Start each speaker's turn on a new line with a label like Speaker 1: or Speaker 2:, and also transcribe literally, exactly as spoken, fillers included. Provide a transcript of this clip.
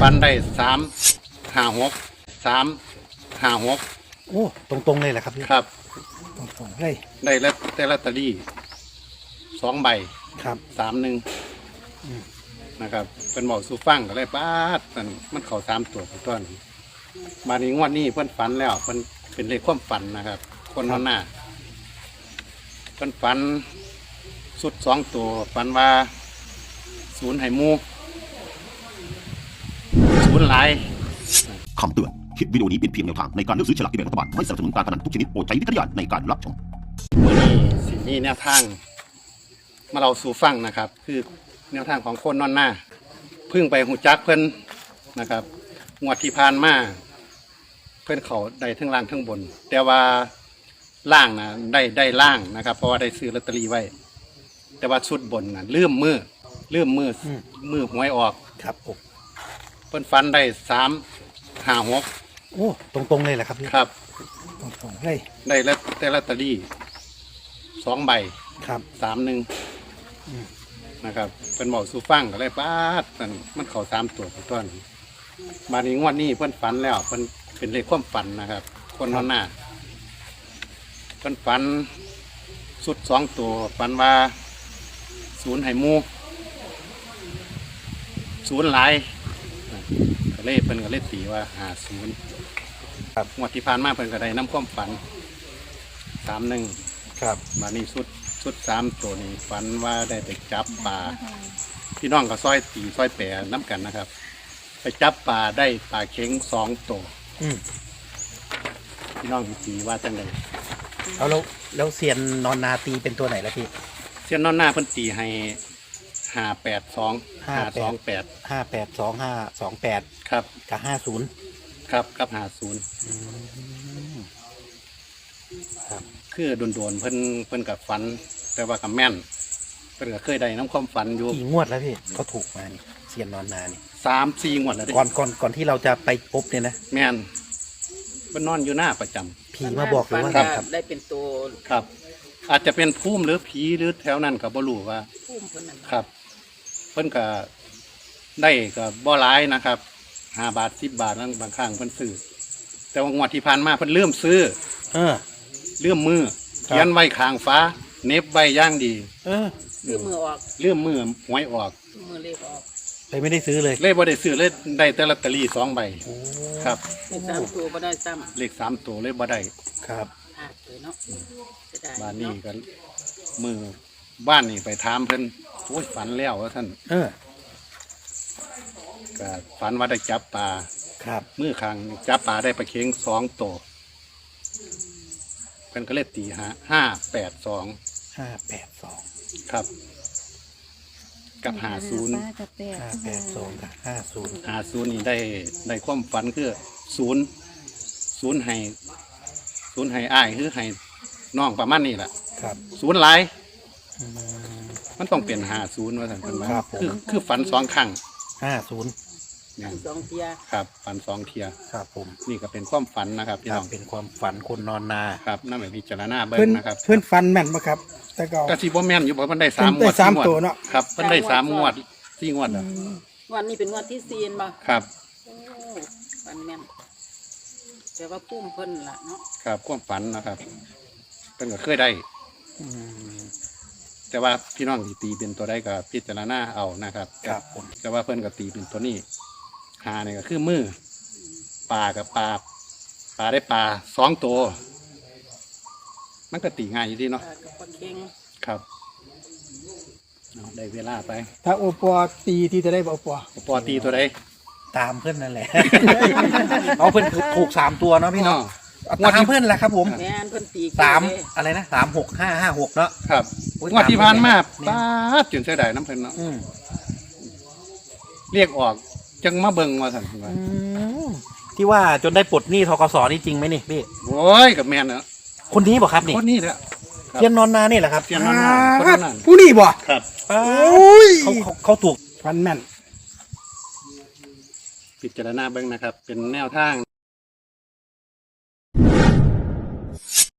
Speaker 1: ฟันได้สามห้าหกสามห้าหก
Speaker 2: โอ้ตรงๆเลยแหละครับพี่
Speaker 1: ครับ
Speaker 2: ตรงๆเลย
Speaker 1: ได้แล้วแต่ลอตเตอรี่สองใบ
Speaker 2: ครับ
Speaker 1: สามหนึ่งนะครับเป็นหมอสูฟังก็เลยป้าดมันมันเข่าสามตัวไปต้นมาในงวดนี้เพิ่นฝันแล้วเพิ่นเป็นเลขความฝันนะครับ คนนอนหน้าเพิ่นฝันสุดสองตัวฝันว่าศูนย์ไหมูศูนย์หลาย
Speaker 3: คำเตือนคลิปวิดีโอนี้เป็นเพียงแนวทางในการเลือกซื้อฉลากกินแบ่งรัฐบาลไม่สนับสนุนการพนันทุกชนิดโปรดใช้วิจารณญาณในการรับชม
Speaker 1: วันนี้สิ่งนี้แนวทางมาเราสู่ฟังนะครับ คือแนวทางของคนนอนหน้าพึ่งไปหูจักเพิ่นนะครับงวดที่ผ่านมาเพิ่นเขาได้ทั้งล่างทั้งบน แต่ว่าล่างนะได้ได้ล่างนะครับ เพราะว่าได้ซื้อลอตเตอรี่ไว้ แต่ว่าชุดบนนะเลื่อมมือเลื่อมมือมือหวยออก
Speaker 2: ครับผม
Speaker 1: เพิ่นฟันได้สามห้าหก
Speaker 2: โอ้ตรงๆเลยแหละครับพี่
Speaker 1: ครับ
Speaker 2: ตรงๆเลย
Speaker 1: ได้แล้วแต่ลอตเตอรี่สองใบ
Speaker 2: ครับ
Speaker 1: สามหนึ่งนะครับเป็นหมอสูฟังก็เลยป้าดมันมันเข่าสามตัวไปต้นมาในงวดนี้เพิ่นฝันแล้วเพิ่นเป็นเลขความฝันนะครับ คนนอนหน้าเพิ่นฝันสุดสองตัวฝันว่าศูนย์ไหมูศูนย์หลายก็เลยเพิ่นก็เลยตีว่าหาศูนย์ครับงวดที่ผ่านมาเพิ่นก็ได้น้ำความฝันสามหนึ่ง
Speaker 2: ครับ
Speaker 1: มานี่สุดสุดสามตัวนี้ฝันว่าได้ไปจับปลาพี่น้องก็ซอยตีซอยแปรน้ำกันนะครับ ไปจับปลาได้ปลาเข็งสองตัวพี่น้องตีว่าจังไง
Speaker 2: เอาแล้วแล้วเซียนนอนนาตีเป็นตัวไหนแล้วพี่
Speaker 1: เสี้ยนนอนหน้าเพิ่นตีให้ห้าแปดสองห้าสองแปด
Speaker 2: ห้าแปดสองห้าสองแปด
Speaker 1: ครับ
Speaker 2: กับห้าศูนย์
Speaker 1: ครับกับห้าศูนย์
Speaker 2: ครับ
Speaker 1: คือโดนๆเพิ่นเพิ่นกับฝัน แต่ว่ากับแม่นเพิ่นก็เคยได้น้ำความฝันอยู่
Speaker 2: กี่งวดแล้วพี่เขาถูกมานี่เซียนนอนนานี่
Speaker 1: สามสี่งวดแล้ว
Speaker 2: ก่อนก่อนก่อนที่เราจะไปพบเนี่ยนะ
Speaker 1: แม่นเพิ่นนอนอยู่หน้าประจำ
Speaker 2: ผีมาบอกหรือว่า
Speaker 4: ครับได้เป็นตัว
Speaker 1: ครับอาจจะเป็นภูมิหรือผีหรือแถวนั้นก็บ่รู้ว่า
Speaker 4: ภูมิเพิ่นนั่น
Speaker 1: ครับเพิ่นก็ได้ก็บ่หลายนะครับห้าบาทสิบบาทนั่นบางครั้งเพิ่นซื้อแต่ว่างวดที่ผ่านมาเพิ่นเริ่มซื้อ
Speaker 2: เออ
Speaker 1: เลื่อมมือเขียนไว้ข้างฟ้าเน็บไว้ย่างดี
Speaker 2: เออ
Speaker 4: เลื่อมมือออก
Speaker 1: เลื่อมมือหวยออก
Speaker 4: มือเลขออก
Speaker 2: เลยไม่ได้ซื้อเลย
Speaker 1: เลยบ่ได้ซื้อเลยได้แต่ลอตเตอรี่สองใบครับ
Speaker 4: เลขสามตัวบ่ได้ซ้
Speaker 1: ำเลขสามตัวเลยบ่ได้
Speaker 2: ครับ
Speaker 4: อ่าเลยเนาะ
Speaker 1: บ้านนี้ก็มือบ้านนี่ไปถามเพิ่นโอ้ยฝันแล้วว่าท่าน
Speaker 2: เออ
Speaker 1: ก็ฝันว่าได้จับปลา
Speaker 2: ครับ
Speaker 1: มือข้างจับปลาได้ปลาเค็งสองตัวเพิ่นก็เลยตีห้าห้าแปดสอง
Speaker 2: ห้าแปดสอง
Speaker 1: ครับกับห้าศูนย์
Speaker 2: ห้าแปดสองกับห้าศูนย์
Speaker 1: ห้าศูนย์นี่ได้ได้ความฝันคือศูนย์ศูนย์ให้ศูนย์ให้อ้ายคือให้น้องประมาณนี้แหละ
Speaker 2: ครับ
Speaker 1: ศูนย์หลายมันต้องเปลี่ยนห้าศูนย์ว่าสันเป็นว่าคือคือฝันสองครั้ง
Speaker 2: ห้าศูนย์
Speaker 4: สองเทีย
Speaker 1: ครับฝันสองเทีย
Speaker 2: ครับผม
Speaker 1: นี่ก็เป็นความฝันนะครับพี่น้อง
Speaker 2: เป็นความฝันคนนอนนา
Speaker 1: ครับนั่นหมายพิจารณาเบิ้งนะครับ
Speaker 2: เพื่อนฝันแม่นไหมครับแต่ก็
Speaker 1: กระสีบ่แม่นอยู่เพราะมันได้สามงวด
Speaker 2: สามตัวเนาะ
Speaker 1: ครับมันได้สามงวดสี่งวดอ่ะ
Speaker 4: วันนี้เป็นงวดที่สี่ป่ะ
Speaker 1: ครับ
Speaker 4: ฝันแม่นแต่ว่าปุ้มเพิ่นล่ะเนาะ
Speaker 1: ครับความฝันนะครับเพิ่นก็เคยได้แต่ว่าพี่น้องที่ตีเป็นตัวได้ก็พิจารณาเอานะครับ
Speaker 2: ครับผม
Speaker 1: แต่ว่าเพิ่นก็ตีเป็นตัวนี้หาเนี่ยก็คือมือปลากับปลาปลาได้ปลาสองตัวมันก็ตีง่ายอยู่ดีเนาะครับได้เวลาไป
Speaker 2: ถ้าโอปอตีที่จะได้โอปอ
Speaker 1: โอปอตีตัวใด
Speaker 2: ตามเพื่อนนั่นแหละเอาเพื่อนถูกสามตัวเนาะพี่น้องตามเพื่อนแหละครับผมสามอะไรนะสามหกห้าห้าหกเนาะ
Speaker 1: ครับงวดที่ผ่านมาป้าจุนเสียดายน้ำเพิ่นเนาะเรียกออกจังมาเบิ่งมาสั่น
Speaker 2: ที่ว่าจนได้ปลดหนี้ธกสนี่จริงไหมนี่พี่
Speaker 1: โอ้ยกับแม่นเนาะ
Speaker 2: คนนี้บอกครับนี่
Speaker 1: คนนี้แหละ
Speaker 2: เทียนนอนนานี่แหละครับ
Speaker 1: เทียนนอนนาคนนั้น
Speaker 2: ผู้นี้บอก
Speaker 1: ครับ
Speaker 2: เขาเขาถูกฟันแม่น
Speaker 1: พิจารณาเบิ่งนะครับเป็นแนวทาง